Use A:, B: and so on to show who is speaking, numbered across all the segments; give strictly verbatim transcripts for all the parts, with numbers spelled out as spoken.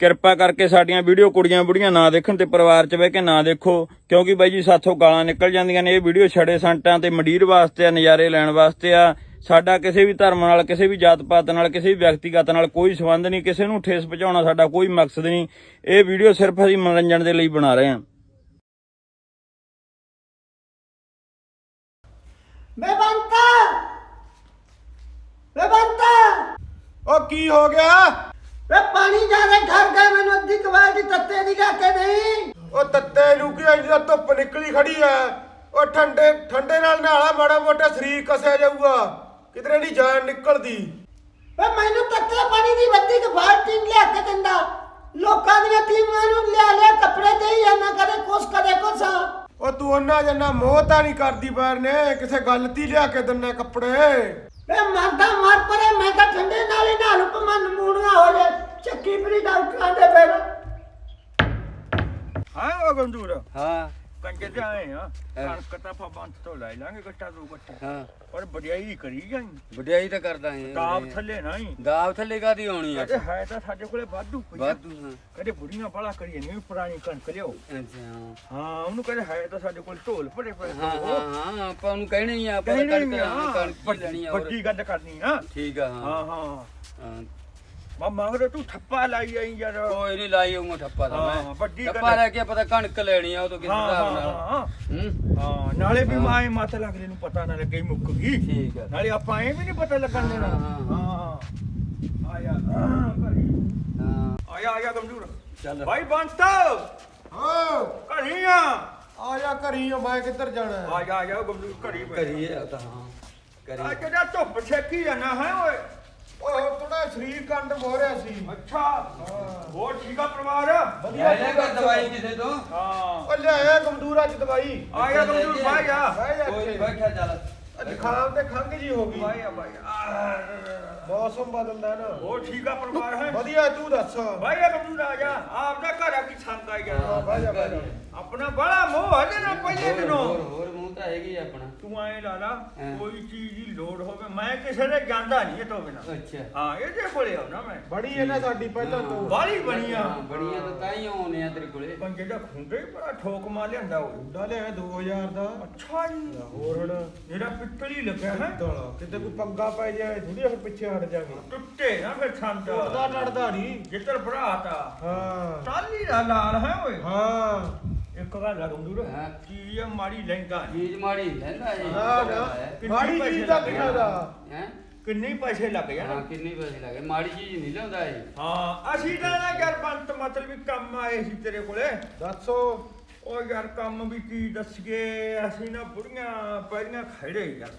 A: ਕਿਰਪਾ ਕਰਕੇ ਸਾਡੀਆਂ ਵੀਡੀਓ ਕੁੜੀਆਂ ਬੁੜੀਆਂ ਨਾ ਦੇਖਣ ਤੇ ਪਰਿਵਾਰ 'ਚ ਬਹਿ ਕੇ ਨਾ ਦੇਖੋ, ਕਿਉਂਕਿ ਬਾਈ ਜੀ ਸਾਥੋਂ ਗਾਲਾਂ ਨਿਕਲ ਜਾਂਦੀਆਂ ਨੇ। ਇਹ ਵੀਡੀਓ ਛੜੇ ਸੰਟਾਂ ਤੇ ਮੰਡੀਰ ਵਾਸਤੇ ਆ, ਨਜ਼ਾਰੇ ਲੈਣ ਵਾਸਤੇ ਆ। ਸਾਡਾ ਕਿਸੇ ਵੀ ਧਰਮ ਨਾਲ, ਕਿਸੇ ਵੀ ਜਾਤ ਪਾਤ ਨਾਲ, ਕਿਸੇ ਵੀ ਵਿਅਕਤੀਗਤ ਨਾਲ ਕੋਈ ਸੰਬੰਧ ਨਹੀਂ। ਕਿਸੇ ਨੂੰ ਠੇਸ ਪਹੁੰਚਾਉਣਾ ਸਾਡਾ ਕੋਈ ਮਕਸਦ ਨਹੀਂ। ਇਹ ਵੀਡੀਓ ਸਿਰਫ ਅਸੀਂ ਮਨੋਰੰਜਨ ਦੇ ਲਈ ਬਣਾ ਰਹੇ ਹਾਂ।
B: ਮੈਂ ਬੰਤਾ ਮੈਂ ਬੰਤਾ
C: ਉਹ ਕੀ ਹੋ ਗਿਆ?
B: ਵੇ ਪਾਣੀ ਜਾਦੇ ਘਰ ਗਏ, ਮੈਨੂੰ ਅੱਧੀ ਕਵਾਲ ਦੀ ਤੱਤੇ ਦੀ ਲੈ ਕੇ ਨਹੀਂ।
C: ਉਹ ਤੱਤੇ ਨੂੰ ਕੀ ਇੰਨੀ ਧੁੱਪ ਨਿਕਲੀ ਖੜੀ ਐ। ਉਹ ਠੰਡੇ ਠੰਡੇ ਨਾਲ ਨਹਾਲਾ, ਮਾੜਾ ਮੋਟਾ ਸਰੀਰ ਕਸਿਆ ਜਾਊਗਾ, ਕਿਧਰੇ ਨਹੀਂ ਜਾਨ ਨਿਕਲਦੀ।
B: ਵੇ ਮੈਨੂੰ ਤੱਤੇ ਪਾਣੀ ਦੀ ਵੱਡੀ ਕਵਾਲ ਟੀਮ ਲਿਆ ਕੇ ਦਿੰਦਾ। ਲੋਕਾਂ ਦੀਆਂ ਟੀਮਾਂ ਨੂੰ ਲਿਆ ਲਿਆ ਕੱਪੜੇ ਦੇਈ ਜਾਂਦਾ, ਕਦੇ ਕੁਛ ਕਦੇ ਕੁਛ।
C: ਉਹ ਤੂੰ ਉਹਨਾਂ ਜੰਨਾ ਮੋਹ ਤਾਂ ਨਹੀਂ ਕਰਦੀ ਬਾਰ ਨੇ, ਕਿਸੇ ਗੱਲ ਤੀ ਲਿਆ ਕੇ ਦਿੰਨਾ ਕੱਪੜੇ।
B: ਵੇ ਮਰਦਾ ਮਰ ਪਰੇ, ਮੈਂ ਤਾਂ ਠੰਡੇ ਨਾਲ ਹੀ ਨਹਾ ਲੂ, ਭਾਵੇਂ ਨਮੂਨੀਆ ਹੋ ਜਾਏ। ਚੱਕੀ ਪਰੀ ਡਾਕਟਰਾਂ ਦੇ ਫਿਰ
A: ਹਾਂ ਉਹ ਗੰਦੂਰ
D: ਹਾਂ
A: ਕੰਜੇ ਤੇ ਆਏ ਆ ਕਣਕ ਤਾਂ ਆਪਾਂ ਬੰਦ ਤੋਂ ਲੈ ਲਾਂਗੇ ਗੱਟਾ ਦੋ ਗੱਟੇ।
D: ਹਾਂ
A: ਪਰ ਵਡਿਆਈ ਕਰੀ ਜਾਈ,
D: ਵਡਿਆਈ ਤਾਂ ਕਰਦਾ ਹੈ।
A: ਦਾਬ ਥੱਲੇ ਨਹੀਂ,
D: ਦਾਬ ਥੱਲੇ ਕਾਦੀ ਆਉਣੀ ਆ?
A: ਕਦੇ ਹੈ ਤਾਂ ਸਾਡੇ ਕੋਲੇ ਵਾਧੂ ਪਈ ਆ।
D: ਵਾਧੂ ਹਾਂ।
A: ਕਦੇ ਬੁੜੀਆਂ ਬਾਲਾ ਕਰੀਏ ਨਹੀਂ, ਪੁਰਾਣੀ ਕਣਕ ਲਿਓ।
D: ਅੱਛਾ
A: ਹਾਂ ਉਹਨੂੰ ਕਦੇ ਹੈ ਤਾਂ ਸਾਡੇ ਕੋਲ ਢੋਲ ਭਰੇ ਪਏ।
D: ਹਾਂ ਹਾਂ ਹਾਂ ਆਪਾਂ ਉਹਨੂੰ ਕਹਿਣੇ ਹੀ ਆ, ਆਪਾਂ
A: ਕਹਿਣੀ
D: ਕਣਕ
A: ਨਹੀਂ ਆ,
D: ਕਣਕ ਲੈਣੀ ਆ।
A: ਵੱਡੀ ਗੱਲ ਕਰਨੀ ਆ।
D: ਠੀਕ ਆ। ਹਾਂ
A: ਹਾਂ ਹਾਂ
D: ਹਾਂ
A: ਮਾ ਮਗਰ ਤੂੰ ਠੱਪਾ ਲਾਈ ਆਈ ਯਾਰ।
D: ਕੋਈ ਨਹੀਂ ਲਾਈ ਉਹ ਠੱਪਾ ਦਾ
A: ਹਾਂ,
D: ਮੈਂ
A: ਵੱਡੀ ਗੱਲ
D: ਠੱਪਾ ਲੈ ਕੇ ਪਤਾ ਕਣਕ ਲੈਣੀ ਆ ਉਹ ਤੋਂ ਕਿਸ
A: ਹਾਂ
D: ਹਿਸਾਬ
A: ਹਾਂ
D: ਨਾਲ।
A: ਹਾਂ
D: ਹੂੰ
A: ਹਾਂ ਨਾਲੇ ਵੀ ਮਾਏ ਮਤ ਲੱਗਦੇ ਨੂੰ ਪਤਾ ਨਾ ਲੱਗੇ ਮੁੱਕ ਗਈ।
D: ਠੀਕ ਆ।
A: ਨਾਲੇ ਆਪਾਂ ਐ ਵੀ ਨਹੀਂ ਪਤਾ ਲੱਗਣ ਦੇਣਾ।
D: ਹਾਂ,
A: ਹਾਂ ਆਇਆ ਘਰੀ
D: ਹਾਂ
A: ਆਇਆ ਆਇਆ ਗਮਜੂਰ
D: ਚੱਲ
A: ਭਾਈ ਬੰਤਾ
C: ਹਾਂ
A: ਘਰੀ ਆ
C: ਆ ਜਾ ਘਰੀ ਆ, ਮੈਂ ਕਿੱਧਰ ਜਾਣਾ?
A: ਆਇਆ ਆਇਆ ਗਮਜੂਰ ਘਰੀ
D: ਕਰੀਏ ਆ ਤਾਂ ਹਾਂ ਕਰੀਏ।
A: ਆ ਜਿਹੜਾ ਧੁੱਪ ਛੇਕੀ ਜਾਣਾ ਹੈ ਓਏ।
C: ਓਏ ਥੋੜਾ ਸਰੀਰ ਕੰਡ ਹੋ ਰਿਹਾ ਸੀ।
A: ਅੱਛਾ ਹੋਰ ਠੀਕ ਆ ਪਰਿਵਾਰ?
D: ਵਧੀਆ ਲੈ ਕੇ ਦਵਾਈ ਕਿਸੇ ਤੋਂ।
A: ਹਾਂ
C: ਉਹ ਲਿਆਇਆ ਗਮਦੂਰਾ ਚ ਦਵਾਈ।
A: ਆਇਆ ਗਮਜੂਰ ਭਾਈ ਆ
C: ਬਹਿ ਜਾ
D: ਕੋਈ
C: ਇੱਥੇ।
D: ਬੈਠਾ ਚੱਲ।
C: ਜ਼ੁਕਾਮ ਤੇ ਖੰਘ ਜੀ ਹੋ ਗਈ,
A: ਭਾਈ ਆ ਭਾਈ
C: ਮੌਸਮ ਬਦਲਦਾ ਨਾ।
A: ਹੋਰ ਠੀਕ ਆ ਪਰਿਵਾਰ ਹੈ?
C: ਵਧੀਆ ਤੂੰ ਦੱਸ।
A: ਭਾਈ ਆ ਗਮਜੂਰ ਆ ਜਾ, ਆਪਦਾ ਘਰ ਆ ਕੀ ਸੰਗ ਆ ਗਿਆ।
C: ਬਹਿ ਜਾ ਬਹਿ ਜਾ।
A: ਆਪਣਾ ਬੜਾ ਮੋਹ ਹੈ ਨਾ ਪਹਿਲੇ
D: ਹੋਰ
A: ਦਿਨੋਂ।
D: ਹੋਰ ਮੂੰਹ ਤਾਂ ਹੈਗੀ ਆ ਆਪਣਾ।
A: ਤੂੰ ਐ ਲਾ ਲਾ
D: ਹਾਂ।
A: ਕੋਈ ਚੀਜ਼ ਦੀ ਲੋੜ ਹੋਵੇ ਮੈਂ ਕਿਸੇ ਦੇ ਜਾਂਦਾ ਨਹੀਂ ਇਹ ਤੋਂ ਬਿਨਾ।
D: ਅੱਛਾ
A: ਹਾਂ ਇਹਦੇ ਕੋਲੇ ਆਉਣਾ ਮੈਂ।
C: ਬੜੀ ਹੈ ਨਾ ਸਾਡੀ ਪਹਿਲਾਂ ਤੋਂ।
A: ਬਾਹਲੀ ਬਣੀ ਆ।
D: ਹਾਂ, ਬਣੀਆਂ ਤਾਂ ਤਾਂ ਹੀ ਆਉਣੇ ਆ ਤੇਰੇ ਕੋਲੇ।
A: ਪਰ ਜਿਹੜਾ ਖੁੰਡੇ ਹੀ ਬੜਾ ਠੋਕ ਮਾਰ ਲਿਆਂਦਾ ਉਹ।
C: ਮੁੰਡਾ ਲਿਆ ਦੋ ਹਜ਼ਾਰ ਦਾ।
A: ਅੱਛਾ ਜੀ
C: ਹੋਰ ਹੁਣ
A: ਮੇਰਾ ਪਿੱਤਲ ਹੀ ਲੱਗਿਆ ਹੈ।
C: ਤਾਲਾ ਕਿਤੇ ਕੋਈ ਪੰਗਾ ਪੈ ਜਾਏ ਥੋੜੀ ਫਿਰ ਪਿੱਛੇ ਹਟ ਜਾਗੇ।
A: ਟੁੱਟੇ ਨਾ ਫਿਰ ਛੰਦ
C: ਟੁੱਟਦਾ ਟੜਦਾ ਨਹੀਂ।
A: ਜਿੱਤਰ ਭਰਾਤਾ
C: ਹਾਂ
A: ਟਾਲੀ ਦਾ ਲਾਲ ਹੈ ਓਏ।
C: ਹਾਂ
A: ਇੱਕ ਗੱਲ ਆ ਗੰਦੂਰ
D: ਹਾਂ।
A: ਚੀਜ਼ ਮਾੜੀ ਲੈਂਦਾ ਨਹੀਂ।
D: ਚੀਜ਼ ਮਾੜੀ ਲੈਂਦਾ ਇਹ।
C: ਨਾ ਨਾ ਮਾੜੀ ਚੀਜ਼ ਦਾ ਕਿਹੜਾ ਦਾ।
D: ਹੈ
A: ਕਿੰਨੇ ਪੈਸੇ ਲੱਗ
D: ਹਾਂ
A: ਜਾਣ।
D: ਕਿੰਨੇ ਪੈਸੇ ਲੱਗੇ? ਮਾੜੀ ਚੀਜ਼ ਨਹੀਂ ਲਿਆਉਂਦਾ ਇਹ।
A: ਹਾਂ ਅਸੀਂ ਤਾਂ ਨਾ ਯਾਰ ਬੰਤ ਮਤਲਬ ਵੀ ਕੰਮ ਆਏ ਸੀ ਤੇਰੇ ਕੋਲੇ।
C: ਦੱਸੋ।
A: ਉਹ ਯਾਰ ਕੰਮ ਵੀ ਕੀ ਦੱਸੀਏ, ਅਸੀਂ ਨਾ ਬੁੜੀਆਂ ਪੈਰੀਆਂ ਖੜੇ ਯਾਰ।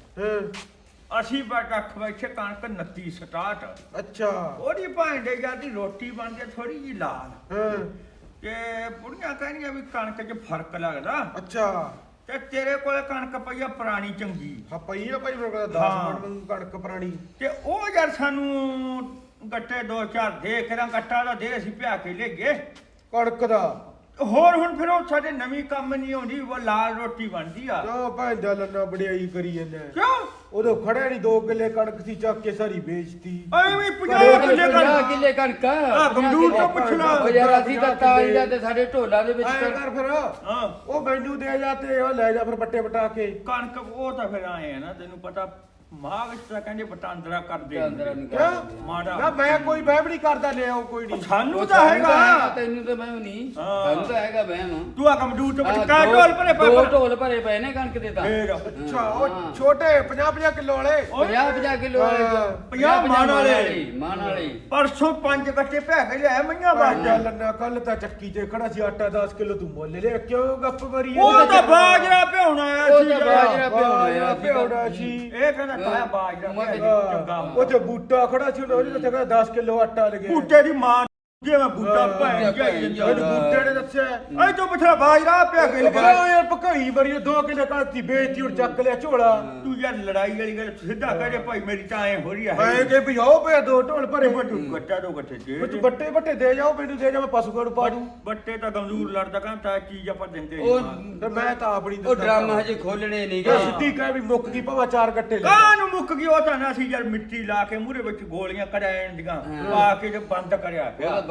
C: ਹਾਂ
A: ਅਸੀਂ ਬਟ ਅੱਖ ਬੈਠੇ ਕਣਕ ਨੱਤੀ ਸਟਾਰਟ।
C: ਅੱਛਾ।
A: ਉਹਦੀ ਭਾਂਡੇ ਜਾਂ ਦੀ ਰੋਟੀ ਬਣਦੀ ਥੋੜੀ ਜੀ ਲਾਲ
C: ਹਾਂ
A: ਤੇ ਬੁੜੀਆਂ ਕਹਿੰਦੀਆਂ ਵੀ ਕਣਕ 'ਚ ਫਰਕ ਲੱਗਦਾ
C: ਅੱਛਾ।
A: ਤੇ ਤੇਰੇ ਕੋਲੇ ਕਣਕ ਪਈ ਆ ਪੁਰਾਣੀ ਚੰਗੀ।
C: ਹਾਂ ਪਈ ਆ ਭਾਈ ਮੇਰੇ ਕੋਲ ਦਸ
A: ਹਾਂ।
C: ਮਿੰਟ ਨੂੰ ਕਣਕ ਪੁਰਾਣੀ।
A: ਤੇ ਉਹ ਯਾਰ ਸਾਨੂੰ ਗੱਟੇ ਦੋ ਚਾਰ ਦੇ ਕੇ ਰਾਂ ਗੱਟਾ ਦਾ ਦੇ ਅਸੀਂ ਪਿਆ ਕੇ ਲੈ ਗਏ।
C: ਕਣਕ ਦਾ
A: ਹੋਰ ਹੁਣ ਫਿਰ ਉਹ ਸਾਡੇ ਨਵੀਂ ਕੰਮ ਨਹੀਂ ਆਉਂਦੀ, ਉਹ ਲਾਲ ਰੋਟੀ ਬਣਦੀ ਆ।
C: ਕਿਉਂ ਭੈਣ ਦਾ ਲੰਨਾ ਬੜਿਆਈ ਕਰੀ ਜਾਂਦਾ।
A: ਕਿਉਂ
C: ਉਦੋਂ ਖੜਿਆ ਨਹੀਂ, ਦੋ ਕਿੱਲੇ ਕਣਕ ਸੀ ਚੱਕ ਕੇ ਸਾਰੀ ਵੇਚਤੀ।
A: ਐਵੇਂ ਪੰਜਾਹ ਕਿੱਲੇ
D: ਪੰਜਾਹ
A: ਕਣਕ
D: ਕਿੱਲੇ ਕਣਕ।
A: ਆ ਗੰਦੂਰ ਤੋਂ ਪੁੱਛਣਾ।
D: ਉਹ ਯਾਰ ਅਸੀਂ ਤਾਂ ਤਾਂ ਹੀ ਜਾਂਦੇ ਸਾਡੇ ਢੋਲਾਂ ਦੇ ਵਿੱਚ
C: ਐਂ ਕਰ ਫਿਰ
A: ਹਾਂ
C: ਉਹ ਮੈਨੂੰ ਦੇ ਜਾ ਤੇ ਉਹ ਲੈ ਜਾ ਫਿਰ ਬੱਟੇ ਬਟਾ ਕੇ।
A: ਕਣਕ ਉਹ ਤਾਂ ਫਿਰ ਆਏ ਆ ਨਾ, ਤੈਨੂੰ ਪਤਾ ਮਾਂ ਵਿੱਚ ਤਾਂ ਕਹਿੰਦੇ ਵਟਾਂਦਰਾ ਕਰਦੇ
D: ਅੰਦਰ ਨਹੀਂ
C: ਕਿਉਂ?
A: ਮਾੜਾ
C: ਨਾ ਮੈਂ ਕੋਈ ਵਹਿਮ ਨਹੀਂ ਕਰਦਾ, ਲਿਆਓ ਕੋਈ ਨਹੀਂ।
A: ਸਾਨੂੰ ਤਾਂ ਹੈਗਾ।
D: ਤੈਨੂੰ ਤਾਂ ਵਹਿਮ ਨਹੀਂ।
A: ਹਾਂ।
D: ਸਾਨੂੰ ਤਾਂ ਹੈਗਾ ਵਹਿਮ।
A: ਤੂੰ ਆ ਕੰਪਿਊਟਰ
D: ਆਹ
A: ਵਿੱਚ ਕਾ
D: ਦੋ-
A: ਢੋਲ ਭਰੇ ਪਏ
D: ਦੋ
A: ਪਰ-
D: ਢੋਲ ਭਰੇ ਪਏ ਨੇ ਕਣਕ ਦੇ ਤਾਂ।
A: ਫੇਰ
C: ਅੱਛਾ
D: ਹਾਂ।
C: ਉਹ ਛੋਟੇ ਪੰਜਾਹ ਪੰਜਾਹ ਕਿਲੋ ਵਾਲੇ।
D: ਪੰਜਾਹ ਪੰਜਾਹ ਕਿਲੋ ਵਾਲੇ
C: ਹਾਂ।
A: ਪੰਜਾਹ ਮਾਣ ਵਾਲੇ।
D: ਮਾਣ ਵਾਲੇ।
A: ਪਰਸੋਂ ਪੰਜ ਗੱਟੇ ਭੈ ਕੇ ਲਿਆ ਮਈਆਂ
C: ਭਾਈ
A: ਬਾਜ।
C: ਲੰਨਾ ਕੱਲ ਤਾਂ ਚੱਕੀ ਤੇ ਖੜਾ ਸੀ, ਆਟਾ ਦਸ ਕਿਲੋ ਤੂੰ ਮੁੱਲ ਲਿਆ, ਕਿਉਂ ਗੱਪ ਮਾਰੀ?
A: ਉਹ ਤਾਂ ਬਾਜਰਾ ਭਿਉਣਾ ਆਇਆ
D: ਉਹ
A: ਸੀ
D: ਤਾਂ
A: ਯਾਰ।
D: ਬਾਜਰਾ ਭਿਉਣਾ ਆ।
C: ਭਿਉਣਾ ਸੀ।
A: ਇਹ ਕਹਿੰਦਾ ਤਾਇਆ ਬਾਜਰਾ
D: ਮੈਂ
A: ਭਿਉਣਾ ਚੰਗਾ
C: ਉਹ ਤੇ ਬੂਟਾ ਖੜਾ ਸੀ, ਉਹਨੇ ਉਹਨੇ ਕਹਿੰਦਾ ਦਸ ਕਿਲੋ ਆਟਾ ਲੱਗਿਆ।
A: ਬੂਟੇ ਦੀ ਮਾਂ ਜਿਵੇਂ ਬੂਟਾ
C: ਹਾਂ,
A: ਭੈ ਗਿਆ
C: ਮੈਨੂੰ ਬੂਟੇ ਨੇ ਦੱਸਿਆ।
A: ਐ ਤੂੰ ਪੁੱਛਣਾ ਬਾਜਰਾ ਭਿਆ ਕੇ
C: ਉਹ
A: ਲਿਆ।
C: ਕਹਿੰਦਾ ਯਾਰ ਭਕਾਈ ਬੜੀ, ਦੋ ਕਿਲੋ ਕਣਕ ਦੀ ਵੇਚਤੀ, ਹੁਣ ਚੱਕ ਲਿਆ ਝੋਲਾ।
A: ਤੂੰ ਯਾਰ ਲੜਾਈ ਵਾਲੀ ਗੱਲ ਸਿੱਧਾ ਕਹੇ ਭਾਈ ਮੇਰੀ ਤਾਂ ਐ ਹੋ ਰਹੀ ਆ।
C: ਮੈਂ ਕਿ ਵੀ ਆਓ ਪਿਆ ਦੋ ਢੋਲ ਭਰੇ।
A: ਤੂੰ ਗੱਟਾ ਦੋ ਗੱਟੇ ਦੇ
C: ਤੂੰ ਬੱਟੇ ਬੱਟੇ ਦੇ ਜਾਓ, ਮੈਨੂੰ ਦੇ ਜਾ, ਮੈਂ ਪਸ਼ੂ ਨੂੰ ਪਾ ਦੂੰ।
A: ਬੱਟੇ ਤਾਂ ਗੰਦੂਰ ਲੜਦਾ ਕਹਿੰਦਾ ਤਾਂ ਚੀਜ਼ ਆਪਾਂ ਦਿੰਦੇ
D: ਉਹ
A: ਨਹੀਂ।
C: ਤੇ ਮੈਂ ਤਾਂ ਆਪਣੀ
D: ਉਹ ਡਰਮ ਹਜੇ ਖੋਲਣੇ ਨਹੀਂ
C: ਜੇ
D: ਗਏ।
C: ਸਿੱਧੀ ਕਹਿ ਵੀ ਮੁੱਕ ਗਈ ਭਾਵੇਂ ਚਾਰ ਗੱਟੇ ਲੈ।
A: ਕਾਹ ਨੂੰ ਮੁੱਕ ਗਈ? ਉਹ ਤਾਂ ਨਾ ਸੀ ਯਾਰ ਮਿੱਟੀ ਲਾ ਕੇ ਮੂਹਰੇ ਵਿੱਚ ਗੋਲੀਆਂ ਕਢਾਉਣ ਦੀਆਂ
D: ਹਾਂ।
A: ਪਾ ਕੇ ਜੇ ਬੰਦ ਕਰਿਆ
D: ਉਹ
A: ਪਿਆ।
D: ਤਾਂ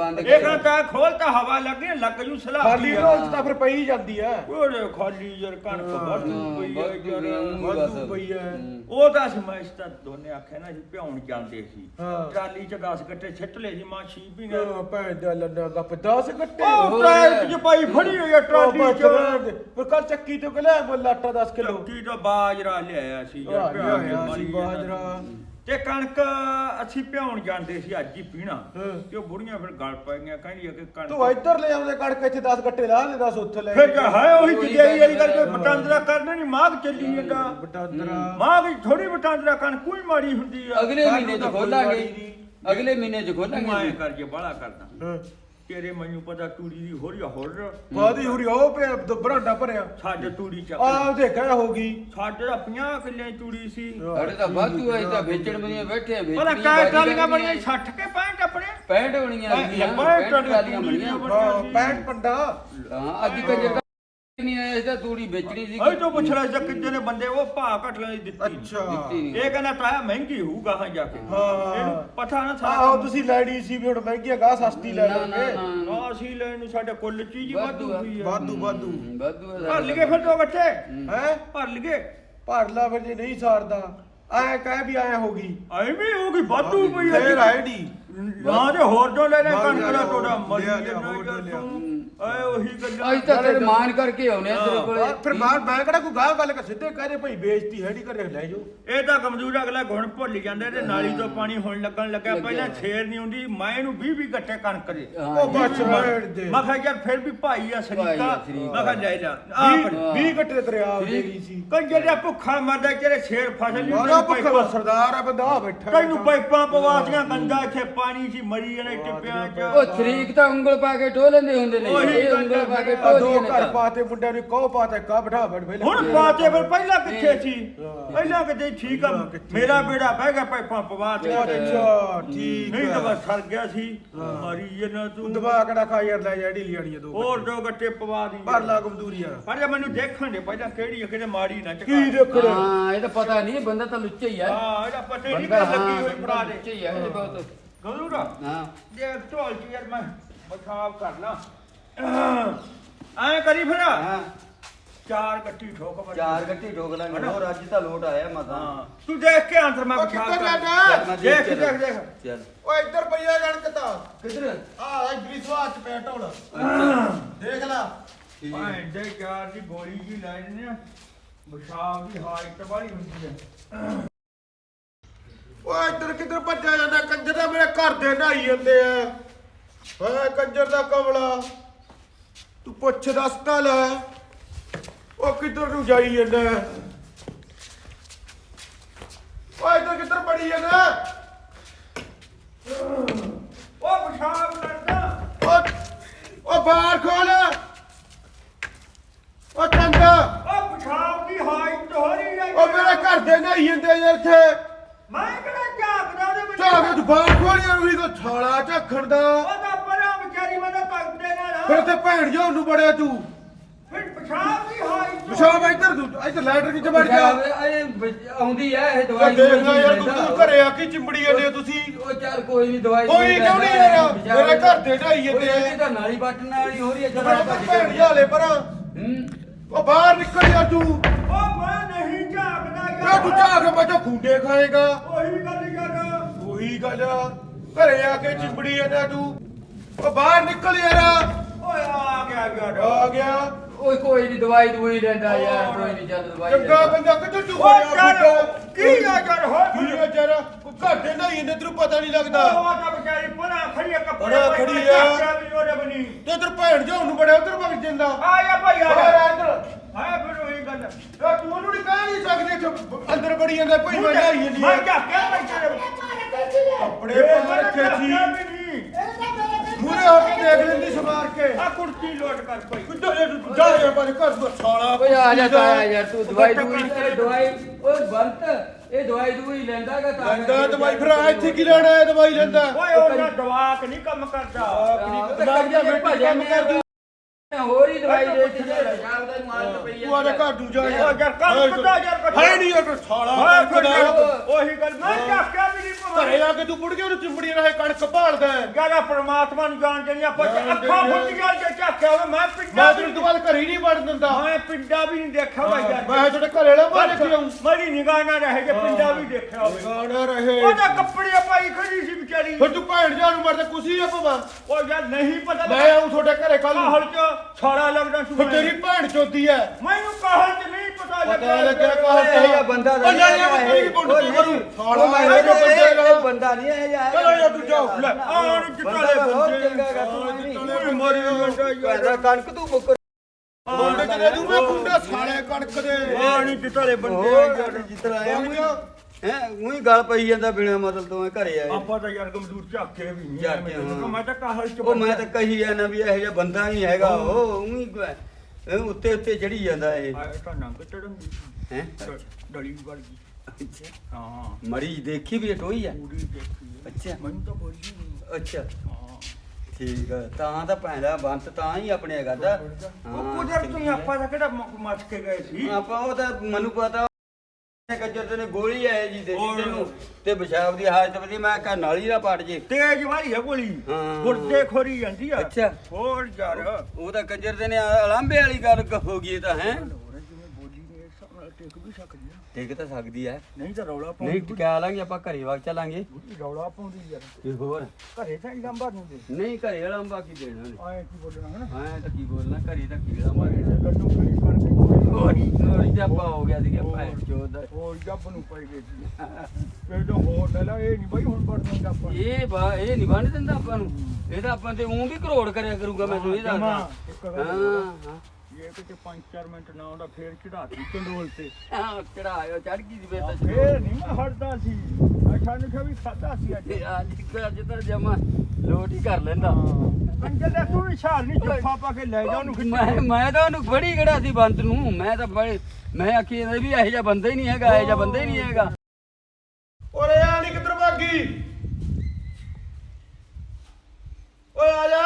D: ਬੰਦ
A: ਇਹ ਕਹਿੰਦਾ ਖੋਲ ਤਾਂ ਹਵਾ ਲੱਗੇ ਲੱਗ ਜੂ ਸਲਾਹ
C: ਖਾਲੀ ਰੋਜ਼ ਤਾਂ ਫਿਰ ਪਈ ਜਾਂਦੀ ਆ
A: ਉਹਦੇ ਖਾਲੀ ਯਾਰ ਕਣਕ ਵਾਧੂ ਪਈ ਆ ਯਾਰ
C: ਵਾਧੂ ਪਈ ਆ
A: ਉਹ ਤਾਂ ਅਸੀਂ ਮੈਂ ਇਸ ਤਾਂ ਦੋਨੇ ਆਖਿਆ ਨਾ ਅਸੀਂ ਭਿਉਣ ਜਾਂਦੇ ਸੀ
C: ਹਾਂ।
A: ਟਰਾਲੀ ਚ ਦਸ ਗੱਟੇ ਛਿੱਟ ਲਏ ਸੀ ਮਾਂ ਛੀ ਵੀ ਗਏ
C: ਉਹ ਭੈਣ ਦਾ ਲੰਡਾ ਗੱਪ ਦਸ ਗੱਟੇ
A: ਉਹ ਟਰਾਲੀ ਚ ਪਾਈ ਫੜੀ ਹੋਈ ਆ ਟਰਾਲੀ ਚ
C: ਪਰ ਕੱਲ ਚੱਕੀ ਤੋਂ ਕਿਲੇ ਮੁੱਲ ਆਟਾ ਦਸ ਕਿਲੋ
A: ਕੀ ਤਾਂ ਬਾਜਰਾ ਲਿਆਇਆ ਸੀ ਯਾਰ ਭਿਉਂ ਕੇ
C: ਲਿਆਇਆ ਸੀ
A: ਮਾਰੀ
C: ਬਾਜਰਾ।
A: ਤੇ ਕਣਕ ਅਸੀਂ ਭਿਉਣ ਜਾਂਦੇ ਸੀ ਅੱਜ ਹੀ ਪੀਣਾ
C: ਹਾਂ।
A: ਤੇ ਉਹ ਬੁੜੀਆਂ ਫਿਰ ਗਲ ਪੈ ਗਈਆਂ ਕਹਿੰਦੀਆਂ ਕਿ ਕਣਕ
C: ਤੂੰ ਇੱਧਰ ਲੈ ਆਉਂਦੇ ਕਣਕ ਇੱਥੇ ਦਸ ਗੱਟੇ ਲਾ ਦੇ ਦਸ ਉੱਥੇ ਲੈ
A: ਫਿਰ ਕਿਆ ਹੈ ਉਹੀ ਚੀਜ਼ਾਈ ਵਾਲੀ ਕਰਕੇ ਵਟਾਂਦਰਾ ਕਰਨਾ ਨਹੀਂ ਮਾਗ ਚੱਲੀ ਜਾਂਦਾ
C: ਬਟਾਦਰਾ
A: ਮਾਗ ਥੋੜੀ ਵਟਾਂਦਰਾ ਕਣ ਕੋਈ ਮਾੜੀ ਹੁੰਦੀ ਆ
D: ਅਗਲੇ ਮਹੀਨੇ ਚ ਖੋਲਾਂਗੇ ਅਗਲੇ ਮਹੀਨੇ ਚ
A: ਮੈਂ
D: ਖੋਲਾਂਗੇ
A: ਕਰ ਜੇ ਬਾਲਾ ਕਰਦਾ
C: ਹਾਂ
A: ਤੇਰੇ ਮੈਨੂੰ ਪਤਾ ਤੂੜੀ ਦੀ ਹੋਰੀ ਹੋਰ
C: ਕਾਦੀ ਹੁਰੀ ਉਹ ਪਿਆ ਬਰਾਂਡਾ ਭਰਿਆ
A: ਸਾਡੇ ਤੂੜੀ ਚ
C: ਆਹ ਦੇਖਿਆ ਹੋ ਗਈ
A: ਸਾਡੇ ਦਾ ਪੰਜਾਹ ਕਿੱਲੇ ਤੂੜੀ ਸੀ
D: ਸਾਡੇ ਤਾਂ ਵਾਧੂ ਐ ਤਾਂ ਵੇਚਣ ਬਣੀਆਂ ਬੈਠੇ ਆ
A: ਪਤਾ ਕਾਹ ਟਰਾਲੀਆਂ ਬਣੀਆਂ ਸੱਠ ਕੇ ਪੈਂਹਠ ਆਪਣੇ
D: ਪੈਂਹਠ ਬਣੀਆਂ ਸੀਗੀਆਂ
A: ਪੈਂਹਠ
D: ਟਰਾਲੀਆਂ ਬਣੀਆਂ
C: ਹਾਂ ਪੈਂਟ ਪੰਡਾ
D: ਹਾਂ ਅੱਜ ਕੰਜਰ ਨਹੀਂ ਆਇਆ ਇਸ ਤਾਂ ਤੂੜੀ ਵੇਚਣੀ ਸੀ
A: ਅਈ ਤੋਂ ਪੁੱਛਣਾ ਸੀ ਕਿੰਨੇ ਨੇ ਬੰਦੇ ਉਹ ਭਾਅ ਘਟ ਲਈ ਦਿੱਤੀ ਨੀ।
C: ਅੱਛਾ
D: ਦਿੱਤੀ ਨੀ।
A: ਇਹ ਕਹਿੰਦਾ ਤਾਇਆ ਮਹਿੰਗੀ ਹੋਊਗਾ ਹਾਂ ਜਾ ਕੇ
C: ਹਾਂ।
A: ਇਹਨੂੰ ਪਤਾ ਨਾ ਸਾਰਾ
C: ਆਹੋ ਤੁਸੀਂ ਲੈਣੀ ਸੀ ਵੀ ਹੁਣ ਮਹਿੰਗੀ ਆ ਗਾਹ ਸਸਤੀ ਲੈ
D: ਨਾ ਨਾ
C: ਲਓਗੇ
D: ਨਾ
A: ਆ ਅਸੀਂ ਲੈਣ ਨੂੰ ਸਾਡੇ ਕੁੱਲ ਚੀਜ਼ ਹੀ ਵਾਧੂ ਹੋਈ ਆ
C: ਵਾਧੂ ਵਾਧੂ
D: ਹੂੰ, ਵਾਧੂ ਆ
A: ਭਰ ਲਈਏ ਫਿਰ ਦੋ ਗੱਠੇ
C: ਹੈ
A: ਭਰ ਲਈਏ
C: ਭਰ ਲਾ ਫਿਰ ਜੇ ਨਹੀਂ ਸਾਰਦਾ ਐ ਕਹਿ ਵੀ ਆਇਆ ਹੋ ਗਈ
A: ਐਵੇਂ ਹੋ ਗਈ ਵਾਧੂ ਪਈ ਆ
C: ਫੇਰ ਆਏ ਨਹੀਂ
A: ਨਾ ਜੇ ਹੋਰ ਜੋ ਲੈ ਲੈ
C: ਲਿਆ,
A: ਕਣਕ ਦਾ
C: ਲਿਆ,
A: ਟੋੜਾ ਮਰੀ
C: ਲਿਆ,
A: ਜਾਂਦਾ
C: ਹੋਰ
A: ਯਾਰ
C: ਲਿਆ।
A: ਤੂੰ। ਐ ਉਹੀ ਗੱਲਾਂ
D: ਅੱਜ ਤਾਂ ਤੇਰੇ ਮਾਨ ਕਰਕੇ ਆਉਨੇ ਆ ਤੇਰੇ
A: ਹਾਂ,
D: ਕੋਲੇ
C: ਫਿਰ ਬਾਹਰ ਮੈਂ ਕਿਹੜਾ ਕੋਈ ਗਾਹ ਗੱਲ ਕਰ ਸਿੱਧੇ ਕਹਦੇ ਭਾਈ ਬੇਇੱਜ਼ਤੀ ਹੈ ਨਹੀਂ ਕਰੇ ਲੈ ਜਾਓ
A: ਇਹ ਤਾਂ ਕਮਜ਼ੋਰ ਅਗਲਾ ਗੁਣ ਭੁੱਲ ਜਾਂਦਾ ਤੇ ਨਾਲੀ ਤੋਂ ਪਾਣੀ ਹੁਣ ਲੱਗਣ ਲੱਗਾ ਪਹਿਲਾਂ ਛੇਰ ਨਹੀਂ ਹੁੰਦੀ ਮੈਂ ਇਹਨੂੰ ਵੀਹ ਵੀਹ ਗੱਟੇ ਕਣਕ ਦੇ
D: ਹਾਂ,
C: ਉਹ ਬਸ ਰਹਿਣ ਦੇ
A: ਮੈਂ ਕਿਹਾ ਯਾਰ ਫਿਰ ਵੀ ਭਾਈ ਆ
D: ਭਾਈ
A: ਸਰੀਕਾ
D: ਆ ਸਰੀਕਾ।
A: ਮੈਂ ਕਿਹਾ ਲੈ ਜਾ ਆ
C: ਵੀਹ ਵੀਹ ਘੱਟੇ ਦਰਿਆ ਦੇ ਗਈ ਸੀ
A: ਕੰਜੇ ਦਾ ਭੁੱਖਾ ਮਰਦਾ ਤੇਰੇ ਛੇਰ ਫਸਲ ਨਹੀਂ
C: ਮਾਰਾ ਭੁੱਖਾ ਸਰਦਾਰ ਆ ਬੰਦਾ ਆ ਬੈਠਾ
A: ਤੈਨੂੰ ਪਾਈਪਾਂ ਪਵਾਤੀਆਂ ਗੰਦਾ ਇੱਥੇ ਪਾਣੀ ਸੀ ਮਰੀ ਜਾਣੇ ਟਿੱਪਿਆਂ ਚ
D: ਉਹ ਸ਼ਰੀਕ ਤਾਂ ਉਂਗਲ ਪਾ ਕੇ ਢੋ ਲੈਂਦੇ ਹੁੰਦੇ ਨੇ
A: ਉਹੀ
D: ਇਹ ਉਂਗਲ ਪਾ ਕੇ
C: ਆ
D: ਢੋ
C: ਦੋ
D: ਦੀਆਂ ਨੇ
C: ਘਰ
D: ਤਾਂ।
C: ਪਾਤੇ ਮੁੰਡਿਆਂ ਨੂੰ ਕਹੋ ਪਾਤੇ ਕਾ ਬਿਠਾ ਬੈਠ ਪਹਿਲਾਂ
A: ਹੁਣ ਪਾਤੇ ਫਿਰ ਪਹਿਲਾਂ ਕਿੱਥੇ ਸੀ
C: ਹਾਂ।
A: ਪਹਿਲਾਂ ਕਿਤੇ ਠੀਕ ਆ
C: ਪਹਿਲਾਂ ਕਿੱਥੇ
A: ਮੇਰਾ ਬੇੜਾ ਬਹਿ ਗਿਆ ਪਾਈਪਾਂ ਪਵਾ ਤੇ
C: ਅੱਛਾ ਠੀਕ
A: ਨਹੀਂ ਤਾਂ
C: ਹੈ
A: ਬਸ ਸਰ ਗਿਆ ਸੀ ਮਰੀ ਜਨਾ
C: ਤੂੰ
A: ਤੂੰ
C: ਦਬਾ ਕੇ ਖਾ ਯਾਰ ਲੈ ਜਿਹੜੀ ਲਿਆਣੀ ਆ ਦੋ
A: ਹੋਰ ਦੋ ਗੱਟੇ ਪਵਾ ਦੀ
C: ਭਰ ਲਾ ਗਮਦੂਰੀਆ
A: ਪਰ ਜੇ ਮੈਨੂੰ ਦੇਖਣ ਦੇ ਪਹਿਲਾਂ ਕਿਹੜੀ ਆ ਕਿਤੇ ਮਾੜੀ ਨਾ ਚੱਕਾ
C: ਕੀ ਦੇਖੜ
D: ਹਾਂ ਇਹ ਤਾਂ ਪਤਾ ਨਹੀਂ ਬੰਦਾ ਤਾਂ ਲੁੱਚਾ ਹੀ ਆ
A: ਹਾਂ ਇਹਦਾ ਪਤਾ ਹੀ ਨਹੀਂ
D: ਬੰਦਾ
A: ਕਿ ਲੱਗੀ
D: ਹਾਂ
A: ਹੋਈ ਫੜਾ ਦੇ
D: ਲੁੱਚਾ ਹੀ ਆ ਇਹ ਬਹੁਤ
A: ਗਲੂਰਾ
D: ਹਾਂ
A: ਦੇਖ ਢੋਲ ਜੀ ਯਾਰ ਮੈਂ ਬਖਾਵ ਕਰ ਲਾ ਐ ਕਰੀ ਫਿਰ
D: ਹਾਂ
A: ਚਾਰ ਗੱਟੀ ਠੋਕ ਬਸ।
D: ਚਾਰ ਗੱਟੀ ਠੋਕ ਲਾਂਗੇ ਹੋਰ ਅੱਜ ਤਾਂ ਲੋਟ ਆਇਆ ਮਤਾਂ
A: ਹਾਂ ਤੂੰ ਦੇਖ ਕੇ ਅੰਦਰ ਮੈਂ
C: ਉਹ
A: ਬਖਾਵ
C: ਕਿੱਧਰ
A: ਕਰ
C: ਜਾਣਾ?
D: ਮੈਂ
A: ਦੇਖ
D: ਕੇ
A: ਦੇਖ ਦੇਖ
D: ਚੱਲ
C: ਓਏ ਇੱਧਰ ਪਈਆ ਕਣਕ ਤਾਂ
D: ਕਿੱਧਰ
C: ਆ ਇਧਰੀ ਸਵਾਦ ਚ ਪੈ ਢੋਲ ਦੇਖ ਲੈ
A: ਭਾਂ ਦੇ ਚਾਰ ਦੀ ਗੋਲੀ ਜੀ ਲੈ ਜਨੇ ਬਖਾਵ ਦੀ ਹਾਈਟ ਵਾਲੀ ਹੁੰਦੀ ਹੈ
C: ਓਏ ਇੱਧਰ ਕਿੱਧਰ ਭੱਜਿਆ ਜਾਂਦਾ ਕੰਜਰ ਦਾ ਮੇਰੇ ਘਰ ਦੇ ਨਹਾਈ ਜਾਂਦੇ ਆ ਹੈ ਕੰਜਰ ਦਾ ਕਮਲਾ ਤੂੰ ਪੁੱਛ ਦੱਸ ਤਾਂ ਲੈ ਉਹ ਕਿੱਧਰ ਨੂੰ ਜਾਈ ਜਾਂਦਾ ਓਏ ਇੱਧਰ ਕਿੱਧਰ ਪੜੀ ਜਾਂਦਾ
A: ਉਹ ਬਖਾਵ ਕਰਦਾ
C: ਉਹ ਉਹ ਬਾਹਰ ਖੋਲ ਉਹ ਚੰਗਾ
A: ਉਹ ਬਖਾਵ ਦੀ ਹਾਈਟ ਹੋ ਰਹੀ ਹੈ
C: ਉਹ ਮੇਰੇ ਘਰ ਦੇ ਨਹਾਈ ਜਾਂਦੇ ਆ ਇੱਥੇ
A: ਮੈਂ ਕਿਹੜਾ ਝਾਕਦਾ ਉਹਦੇ ਵਿੱਚ
C: ਝਾਗੇ ਤੂੰ ਬਾਹਰ ਖੋਲਿਆ ਵੀ ਕੋ ਛਾਲਾ ਝੱਖਣ ਦਾ
A: ਉਹਦਾ ਪਰਾਂ ਵਿਚਾਰੀ ਮੈਨੂੰ ਕੱਟਦੇ ਨਾਲ
C: ਫਿਰ ਤੇ ਭੈਣ ਜੋ ਉਹਨੂੰ ਬੜਿਆ ਤੂੰ
A: ਫਿਰ ਬਖਾਵ ਦੀ ਹਾਈਟ
C: ਪਿਸ਼ਾਬ ਇੱਧਰ ਤੂੰ ਇੱਧਰ ਲੈਟਰ ਕਿੱਥੇ ਵੜ ਗਿਆ
D: ਇਹ ਆਉਂਦੀ ਐ ਇਹ
C: ਉਹ
D: ਦਵਾਈ
C: ਦੇਖ ਲੈ ਯਾਰ ਤੂੰ ਤੂੰ ਘਰੇ ਆ ਕੇ ਚਿੰਬੜੀ ਜਾਂਦੇ ਹੋ ਤੁਸੀਂ
D: ਉਹ ਚੱਲ ਕੋਈ ਨਹੀਂ ਦਵਾਈ
C: ਕੋਈ ਕਿਉਂ ਨਹੀਂ ਯਾਰ ਮੇਰੇ ਘਰ ਦੇ ਢਾਈ ਜਾਂਦੇ ਆ
D: ਇਹ ਤਾਂ ਨਾਲੀ ਪੱਟਣ ਵਾਲੀ ਹੋ ਰਹੀ ਹੈ
C: ਮੈਂ ਤਾਂ ਭੈਣ ਜਾਲੇ ਪਰਾਂ
D: ਹੂੰ
C: ਉਹ ਬਾਹਰ ਨਿਕਲ ਯਾਰ ਤੂੰ
A: ਉਹ ਮੈਂ ਨਹੀਂ ਝਾਕਦਾ
C: ਯਾਰ ਤੂੰ ਝਾਕ ਬੱਚਾ ਖੁੰਡੇ ਖਾਏਗਾ
A: ਉਹੀ ਗੱਲ ਕਰ
C: ਉਹੀ ਗੱਲ ਆ ਘਰੇ ਆ ਕੇ ਚਿੰਬੜੀ ਜਾਂਦਾ ਤੂੰ ਉਹ ਬਾਹਰ ਨਿਕਲ ਯਾਰ
A: ਓਏ ਆ ਗਿਆ ਗਿਆ
C: ਆ ਗਿਆ
D: ਓਏ ਕੋਈ ਨਹੀਂ ਦਵਾਈ ਦਵਾਈ ਲੈਂਦਾ ਯਾਰ ਕੋਈ ਨਹੀਂ ਚੱਲ ਦਵਾਈ
C: ਚੰਗਾ
D: ਲੈਂਦਾ।
C: ਬੰਦਾ ਕਿੱਧਰ ਤੂੰ
A: ਓਏ
C: ਬਣਿਆ
A: ਯਾਰ
C: ਫਿਰਦਾ?
A: ਕੀ ਆ ਯਾਰ ਹੋ
C: ਕੀ ਆ ਯਾਰ ਉਹ ਘਰ ਦੇ ਨਹਾਈ ਜਾਂਦੇ ਤੈਨੂੰ ਪਤਾ ਨਹੀਂ ਲੱਗਦਾ
A: ਉਹ ਤਾਂ ਵਿਚਾਰੀ ਪਰਾਂ ਖੜੀ ਆ ਕੱਪੜੇ
C: ਪਰਾਂ
A: ਪਾਈ
C: ਖੜੀ
A: ਮੈਂ
C: ਆ।
A: ਝਾਕਿਆ ਵੀ ਉਹਦੇ ਬਣੀ
C: ਤੇ ਉਧਰ ਭੈਣ ਜੋ ਉਹਨੂੰ ਬੜਿਆ ਉਧਰ ਭਗ ਜਾਂਦਾ
A: ਆ ਜਾ ਭਾਈ ਆ
C: ਬਾਹਰ
A: ਜਾ
C: ਆ ਇੱਧਰ
A: ਹੈ ਫਿਰ ਉਹੀ ਗੱਲ
C: ਯਾਰ ਤੂੰ ਉਹਨੂੰ ਨਹੀਂ ਕਹਿ ਨਹੀਂ ਸਕਦੀ ਇੱਥੇ ਅੰਦਰ ਬੜੀ ਜਾਂਦਾ ਭਾਈ ਮੈਂ ਨਹਾਈ ਜਾਂਦੀ
A: ਮੈਂ
C: ਆ
A: ਝਾਕਿਆ ਮੈਂ ਤੇਰੇ
C: ਕੱਪੜੇ ਪਾ ਰੱਖੇ ਸੀ ਮੂਰੇ ਹੋ ਕੇ ਦੇਖ ਲੈਂਦੀ ਸਮਾਰ ਕੇ
A: ਆ ਕੁਰਸੀ ਲੋਟ ਕਰ ਭਾਈ
C: ਕਿੱਧਰ ਜਾ ਤੂੰ ਜਾ ਯਾਰ ਪਰ ਘਰ ਦਾ ਸਾਲਾ
D: ਓਏ ਆ ਜਾ ਤਾਇਆ ਯਾਰ ਤੂੰ ਦਵਾਈ ਦਵਾਈ ਇਹ ਦਵਾਈ ਓਏ ਬੰਤ ਇਹ ਦਵਾਈ ਦਵਾਈ ਲੈਂਦਾਗਾ ਤਾਂ
C: ਲੈਂਦਾ ਦਵਾਈ ਫਿਰ ਆ ਇੱਥੇ ਕੀ ਲੈਣਾ ਹੈ ਦਵਾਈ ਲੈਂਦਾ
A: ਓਏ ਉਹਨਾਂ ਦਵਾਕ ਨਹੀਂ ਕੰਮ ਕਰਦਾ
C: ਆਪਣੀ ਦਵਾਈ ਦਾ ਬੇਟੀ ਕੰਮ ਕਰਦੀ
D: ਹੋਰ ਹੀ ਦਵਾਈ ਦੇ ਦਿੱਤੀ ਪੰਜਾਬ ਦਾ ਮਾਲ ਪਈ
C: ਤੂੰ ਆਦੇ ਘਰ ਦੂ ਜਾ
E: ਯਾਰ ਕਣਕ ਦਾ ਯਾਰ
C: ਹੈ ਨਹੀਂ ਇਹ ਸਾਲਾ
E: ਹਾਂ
C: ਕਣਕ ਦਾ।
E: ਉਹੀ ਗੱਲ ਮੈਂ ਝਾਕਿਆ ਵੀ ਨਹੀਂ ਪਵਾ
C: ਘਰੇ ਆ ਕੇ ਤੂੰ ਬੁੜ ਕੇ ਉਹਨੂੰ ਚਿੰਬੜੀ ਰਹੇ ਕਣਕ ਭਾਲਦਾ ਹੈ।
E: ਯਾਰ ਪ੍ਰਮਾਤਮਾ ਨੂੰ ਜਾਣ ਦੇਣੀ ਆਪਾਂ ਅੱਖਾਂ ਫੁੱਟੀਆਂ ਜੇ ਝਾਕਿਆ ਹੋਵੇ ਮੈਂ ਪਿੰਡਾ
C: ਮੈਂ
E: ਵੀ
C: ਤੈਨੂੰ ਤੋਂ ਬਾਅਦ ਘਰੇ ਹੀ ਨਹੀਂ ਵੜਨ ਦਿੰਦਾ।
E: ਮੈਂ ਪਿੰਡਾ ਵੀ ਨਹੀਂ ਦੇਖਿਆ ਵਾ ਯਾਰ
C: ਮੈਂ ਤੁਹਾਡੇ ਘਰੇ ਵਾਲਾ ਮਾਰ ਕੇ ਆਉਂ
E: ਮੇਰੀ ਨਿਗਾਹ ਨਾ ਰਹੇ ਜੇ ਪਿੰਡਾ ਵੀ ਦੇਖਿਆ ਹੋਵੇ
C: ਗਾਣਾ ਰਹੇ
E: ਉਹਦਾ ਕੱਪੜੇ ਪਾਈ ਖੜੀ ਸੀ ਵਿਚਾਰੀ
C: ਫਿਰ ਤੂੰ ਭੈਣ ਜਾਨ ਨੂੰ ਮਰਦੇ ਕੁਸੀ ਆ ਪਵਾ।
E: ਉਹ ਯਾਰ ਨਹੀਂ ਪਤਾ
C: ਮੈਂ ਆਉਂ ਤੁਹਾਡੇ ਘਰੇ ਕੱਲ ਨੂੰ
E: ਕਾਹਲ ਚ ਛਾੜਾ ਲੱਗਦਾ ਸੀ
C: ਫਿਰ ਤੇਰੀ ਭੈਣ ਚੋਦੀ ਐ।
E: ਮੈਨੂੰ ਕਾਹਲ ਚ ਨਹੀਂ ਪਤਾ
C: ਪਤਾ
E: ਲੱਗਾ
C: ਲੱਗਿਆ ਕਾਹਲ
D: ਇਹ ਜਿਹਾ ਬੰਦਾ ਤਾਂ
C: ਨਹੀਂ ਹੈਗਾ ਇਹ।
D: ਉਹ ਮੈਂ ਇਹ ਬੰਦਾ ਨਹੀਂ ਇਹ ਜਿਹਾ
C: ਚਲੋ ਯਾਰ ਤੂੰ ਜਾਓ ਲੈ
E: ਆਣ ਜਿੱਤਾਲੇ
D: ਬਹੁਤ
E: ਬੰਦੇ
D: ਚੰਗਾ ਗਾ ਤੂੰ ਵੀ
E: ਓਏ ਮਰੀ ਜਾਂਦਾ ਯਾਰ
D: ਪੈਦਾ ਕਣਕ ਤੂੰ ਮੁੱਕਰ
C: ਮੁੰਡੇ ਚ ਦੇ ਦੂੰ ਮੈਂ ਕੁੰਡਾ ਸਾਲੇ ਕਣਕ ਦੇ।
E: ਆਣ ਜਿੱਤਾਲੇ ਬੰਦੇ
D: ਹੋਰ ਜਿੱਤਰ ਆਇਆ ਹੈ ਉਹੀ ਗੱਲ ਪਈ ਜਾਂਦਾ ਬਿਨਾ ਮਤਲਬ ਤੋਂ ਇਹ ਘਰੇ ਆਏ
E: ਆਪਾਂ ਤਾਂ ਯਾਰ ਗਮਦੂਰ ਝਾਕੇ ਵੀ ਨਹੀਂ
D: ਝਾਕੇ,
E: ਐਵੇਂ
D: ਹਾਂ।
E: ਮੈਂ ਤਾਂ ਕਾਹਲ ਚ
D: ਉਹ ਮੈਂ ਤਾਂ ਕਹੀ ਜਾਂਦਾ ਵੀ ਇਹੋ ਜਿਹਾ ਬੰਦਾ ਨਹੀਂ ਹੈਗਾ ਉਹ ਉਹੀ ਇਹ ਉੱਤੇ ਉੱਤੇ ਚੜੀ ਜਾਂਦਾ ਇਹ
E: ਆਏ ਤਾਂ ਨੰਗ ਚੜਨ ਦੀ
D: ਹੈ
E: ਡਲੀ ਵਰਗੀ ਹਾਂ
D: ਮਰੀ ਦੇਖੀ ਵੀ ਇਹ ਟੋਈ ਆ
E: ਪੂਰੀ ਦੇਖੀ ਹੈ।
D: ਅੱਛਾ
E: ਮੈਨੂੰ ਤਾਂ ਬੋਲੀ ਨਹੀਂ
D: ਅੱਛਾ
E: ਹਾਂ
D: ਠੀਕ ਆ ਤਾਂ ਤਾਂ ਪੈਂਦਾ ਬੰਤ ਤਾਂ ਹੀ ਆਪਣੇ ਕਰਦਾ
E: ਉਹ ਕੁਦਰਤ ਹੀ ਆਪਾਂ ਤਾਂ ਕਿਹੜਾ ਮੱਚ ਕੇ ਗਏ ਸੀ
D: ਆਪਾਂ ਉਹ ਤਾਂ ਮੈਨੂੰ ਪਤਾ ਕੱਜਰ ਤੇ ਨੇ ਗੋਲੀ ਆਏ ਜੀ ਦੇ ਦਿੱਤੀ ਤੈਨੂੰ ਤੇ ਪਿਸ਼ਾਬ ਦੀ ਹਾਲਤ ਵਧੀ ਮੈਂ ਕਹ ਨਾਲੀ ਦਾ ਪਾਟ ਜੇ
E: ਤੇਜ ਵਾਲੀ ਹੈ ਗੋਲੀ
D: ਹਾਂ।
E: ਗੁਰਦੇ ਖੋਰੀ ਜਾਂਦੀ ਆ
D: ਅੱਛਾ।
E: ਹੋਰ ਯਾਰ
D: ਉਹ ਤਾਂ ਕੰਜਰ ਦੇ ਨੇ ਅਲਾਂਬੇ ਵਾਲੀ ਗੱਲ ਹੋ ਗਈ ਇਹ ਤਾਂ ਹੈ
E: ਹੋਰ ਜਿਵੇਂ ਬੋਲੀ ਨੇ ਇਸ ਹਿਸਾਬ ਨਾਲ ਟਿਕ ਵੀ ਸਕਦੀ ਆ
D: ਠੀਕ ਤਾਂ ਸਕਦੀ ਹੈ
E: ਨਹੀਂ ਤਾਂ ਰੌਲਾ
D: ਨਹੀਂ
E: ਪਾਉਂਦੀ
D: ਟਿਕਾ ਲਾਂਗੇ ਆਪਾਂ ਘਰੇ ਵਗ ਚੱਲਾਂਗੇ
E: ਰੌਲਾ ਪਾਉਂਦੀ ਯਾਰ
D: ਤੇ ਹੋਰ
E: ਘਰੇ ਤਾਂ ਲੰਬਾ ਨੂੰ ਦੇ
D: ਨਹੀਂ ਘਰੇ ਅਲਾਂਬਾ ਕੀ ਦੇਣਾ ਨੇ
E: ਆਏ ਕੀ ਬੋਲਣਾ ਹਨਾ
D: ਹਾਂ ਤਾਂ ਕੀ ਬੋਲਣਾ ਘਰੇ ਤਾਂ ਕੀ ਅਲਾਂਬਾ
E: ਲੱਡੂ ਖੜੀ ਕਣਕ
D: ਹੋਰੀ ਹੋਰੀ ਜਾਪਾ ਹੋ ਗਿਆ ਸੀਗਾ ਭਾਈ ਚੋਦਾ
E: ਹੋਰ ਜੱਬ ਨੂੰ ਪਈ ਗਈ ਸੀ ਫਿਰ ਤਾਂ ਹੋਰ ਲੈ ਲਾ ਇਹ ਨਹੀਂ ਬਈ ਹੁਣ ਪੜ ਦਿੰਦਾ ਆਪਾਂ
D: ਇਹ ਬਾ ਇਹ ਨਹੀਂ ਬਣ ਦਿੰਦਾ ਆਪਾਂ ਨੂੰ ਇਹ ਤਾਂ ਆਪਾਂ ਤੇ ਉਂ ਵੀ ਕਰੋੜ ਕਰਿਆ ਕਰੂਗਾ ਮੈਂ ਤੁਹਾਨੂੰ ਇਹ ਦੱਸਦਾ
E: ਇੱਕ ਗੱਲ
D: ਹਾਂ ਹਾਂ
E: ਇਹ ਕਿਤੇ ਪੰਜ ਚਾਰ ਮਿੰਟ ਨਾ ਆਉਂਦਾ ਫੇਰ ਚੜਾਤੀ ਕੰਡੋਲ ਤੇ
D: ਹਾਂ ਚੜਾਇਓ ਚੜ ਗਈ ਸੀ ਫੇਰ ਤਾਂ
E: ਫੇਰ ਨਹੀਂ ਮੈਂ ਹਟਦਾ ਸੀ ਅੱਛਾ ਨਿਖਾ ਵੀ ਖਾਦਾ ਸੀ ਅੱਜ
D: ਤੇ ਅੱਜ ਅੱਜ ਤਾਂ ਜਮਾ ਲੋਟ ਹੀ ਕਰ ਲੈਂਦਾ
E: ਕੰਜਰ ਦਾ ਤੂੰ ਵੀ ਛਾਲ ਨਹੀਂ ਜੱਫਾ ਪਾ ਕੇ ਲੈ ਜਾ ਉਹਨੂੰ
D: ਮੈਂ ਮੈਂ ਤਾਂ ਉਹਨੂੰ ਫੜੀ ਖੜਾ ਸੀ ਬੰਤ ਨੂੰ ਮੈਂ ਤਾਂ ਬੜੇ ਮੈਂ ਆਖੀ ਜਾਂਦਾ ਵੀ ਇਹੋ ਜਿਹਾ ਬੰਦਾ ਹੀ ਨਹੀਂ ਹੈਗਾ ਇਹੋ ਜਿਹਾ ਬੰਦਾ ਹੀ ਨਹੀਂ ਹੈਗਾ
C: ਓਰੇ ਆ ਨੀ ਕਿੱਧਰ ਭਾਗੀ ਓਏ ਆ ਜਾ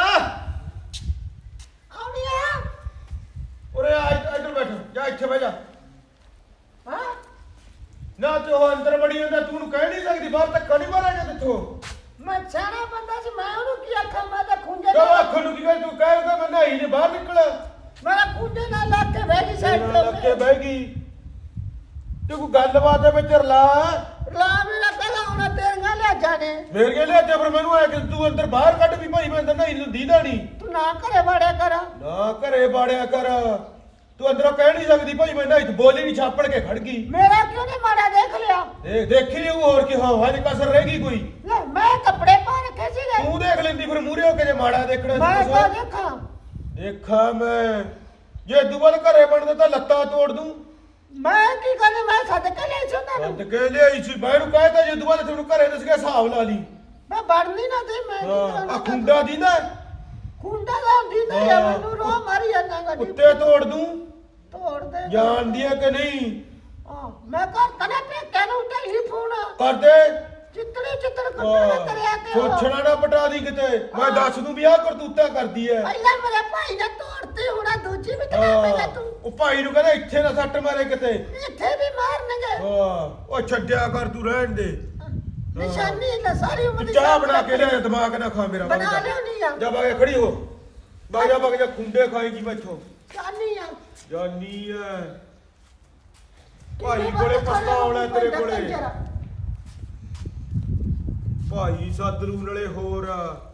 B: ਆਉਣੀ ਆ
C: ਓਰੇ ਆ ਇੱਧ- ਇੱਧਰ ਬੈਠ ਜਾ ਇੱਥੇ ਬਹਿ ਜਾ
B: ਹਾਂ
C: ਨਾ ਤੇ ਉਹ ਅੰਦਰ ਬੜੀ ਹੁੰਦਾ ਤੂੰ ਨੂੰ ਕਹਿ ਨਹੀਂ ਸਕਦੀ ਬਾਹਰ ਤੱਕ ਨਹੀਂ ਮਾਰਾਂਗੇ ਤੇਥੋਂ
B: ਮੈਂ ਸਿਆਣਾ ਬੰਦਾ ਸੀ ਮੈਂ ਉਹਨੂੰ ਕੀ ਆਖਾਂ ਮੈਂ ਤਾਂ ਖੁੰਝੇ
C: ਕਿਉਂ ਅੱਖ ਨੂੰ ਕੀ ਕਹਿ ਤੂੰ ਕਹਿ ਮੈਂ ਨਹਾਈ ਨੇ ਬਾਹਰ ਨਿਕਲ
B: ਮੇਰਾ ਖੁੰਝੇ ਨਾਲ ਲੱਗ ਕੇ ਬਹਿ ਗਈ ਸਾਈਡ
C: ਨਾਲ ਲੱਗ ਕੇ ਬਹਿ ਗਈ ਤੇ ਕੋਈ ਗੱਲਬਾਤ ਦੇ ਵਿੱਚ ਰਲਾ
B: ਲਾ ਮੇਰਾ ਪਹਿਲਾਂ ਹੁਣ ਤੇਰੀਆਂ ਲੈ ਜਾਣੇ
C: ਫੇਰ ਕੇ ਲਿਆ ਤੇ ਫਿਰ ਮੈਨੂੰ ਆਇਆ ਕਿ ਤੂੰ ਅੰਦਰ ਬਾਹਰ ਕੱਢ ਵੀ ਭਾਈ ਮੈਂ ਅੰਦਰ ਨਹਾਈ ਨੂੰ ਦੀਦਾ ਨਹੀਂ
B: ਤੂੰ ਨਾ ਘਰੇ ਵੜਿਆ ਕਰ
C: ਨਾ ਘਰੇ ਬਾੜਿਆ ਕਰ ਤੂੰ ਅੰਦਰੋਂ ਕਹਿ ਨਹੀਂ ਸਕਦੀ ਭਾਈ ਮੈਂ ਨਹਾਈ ਤੇ ਬੋਲੀ ਨਹੀਂ ਛਾਪੜ ਕੇ ਖੜ ਗਈ
B: ਮੇਰਾ ਕਿਉਂ ਨਹੀਂ ਮਾੜਾ ਦੇਖ ਲਿਆ
C: ਦੇਖ ਦੇਖੀ ਲਈ ਹੋਰ ਕੀ ਹਾਂ ਹਜੇ ਕਸਰ ਰਹਿ ਗਈ ਕੋਈ
B: ਲੈ ਮੈਂ ਕੱਪੜੇ ਪਾ ਰੱਖੇ ਸੀਗੇ
C: ਤੂੰ ਦੇਖ ਲੈਂਦੀ ਫਿਰ ਮੂਰੇ ਹੋ ਕੇ ਜੇ ਮਾੜਾ ਦੇਖਣਾ ਸੀ
B: ਮੈਂ
C: ਕੁਛ।
B: ਕੋ ਦੇਖਾਂ
C: ਦੇਖਾਂ ਮੈਂ ਜੇ ਦੁਬਾਰਾ ਘਰੇ ਬਣਦਾ ਤਾਂ ਲੱਤਾਂ ਤੋੜ ਦੂੰ
B: ਮੈਂ ਕੀ ਕਰਨਾ ਮੈਂ ਸੱਦ ਕੇ ਲੈ ਸੀ ਉਹਨਾਂ
C: ਬੰਦ
B: ਨੂੰ
C: ਕੇ ਲਿਆਈ ਸੀ ਮੈਂ ਨੂੰ ਕਹਿਤਾ ਜੇ ਦੁਬਾਰਾ ਤੁਹਾਨੂੰ ਘਰੇ ਦੱਸ ਗਿਆ ਹਿਸਾਬ ਲਾ ਲਈ
B: ਮੈਂ ਵੜਨੀ ਨਾ ਤੇ ਮੈਂ ਕੀ
C: ਹਾਂ
B: ਕਰਨਾ
C: ਆ ਖੁੰਡਾ ਦੀ ਨਾ
B: ਖੁੰਡਾ ਦਾ ਹੁੰਦੀ ਨਹੀਂ ਆ ਮੈਨੂੰ ਰੋ ਮਾਰੀ ਜਾਂਦਾ ਗੱਡੀ
C: ਉੱਤੇ ਤੋੜ ਦੂੰ
B: ਤੋੜ ਦੇ
C: ਜਾਣਦੀ ਆ ਕਿ ਨਹੀਂ
B: ਹਾਂ ਮੈਂ ਘਰ ਤਨੇ ਪੇਕੇ ਨੂੰ ਟੈਲੀਫੋਨ
C: ਕਰ ਦੇ
B: ਚਿੱਤੜੇ ਚਿੱਤੜ ਕੱਟਣਾ ਕਰਿਆ ਤੇ ਉਹ।
C: ਛੋਛਣਾ ਨਾ ਪਟਾ ਦੀ ਕਿਤੇ ਮੈਂ ਦੱਸ ਦੂੰ ਵੀ ਆਹ ਕਰਤੂਤਾ ਕਰਦੀ ਐ
B: ਪਹਿਲਾਂ ਮੇਰੇ ਭਾਈ ਨੇ ਤੋੜਤੀ ਹੁਣ ਆਹ ਦੂਜੀ ਵੀ ਤੇਰਾ ਪਹਿਲਾਂ
C: ਹਾਂ,
B: ਤੂੰ
C: ਉਹ ਭਾਈ ਨੂੰ ਕਹਿੰਦਾ ਇੱਥੇ ਨਾ ਸੱਟ ਮਾਰੇ ਕਿਤੇ
B: ਇੱਥੇ ਵੀ ਮਾਰਨਗੇ
C: ਹਾਂ ਉਹ ਛੱਡਿਆ ਕਰ ਤੂੰ ਰਹਿਣ ਦੇ
B: ਨਿਸ਼ਾਨੀ ਲੈ ਸਾਰੀ ਉਮਰ
C: ਤੂੰ
B: ਦੀ
C: ਚਾਹ ਬਣਾ ਕੇ ਲਿਆ ਦਿਮਾਗ ਨਾ ਖਾ ਮੇਰਾ
B: ਬਣਾ
C: ਵਗ ਜਾ।
B: ਲਿਆਉਣੀ ਆ।
C: ਜਾ ਬਾਗੇ ਖੜੀ ਹੋ ਬਾਗ ਜਾ ਬਾਗ ਜਾ ਖੁੰਡੇ ਖਾਏਗੀ ਮੈਥੋਂ
B: ਚਾਹਨੀ ਆ
C: ਜਾਨੀ ਐ ਭਾਈ ਕੋਲੇ ਪਛਤਾਉਣਾ ਹੈ ਤੇਰੇ ਕੋਲੇ ਭਾਈ ਸਤਲੂ ਨਾਲੇ ਹੋਰ ਆ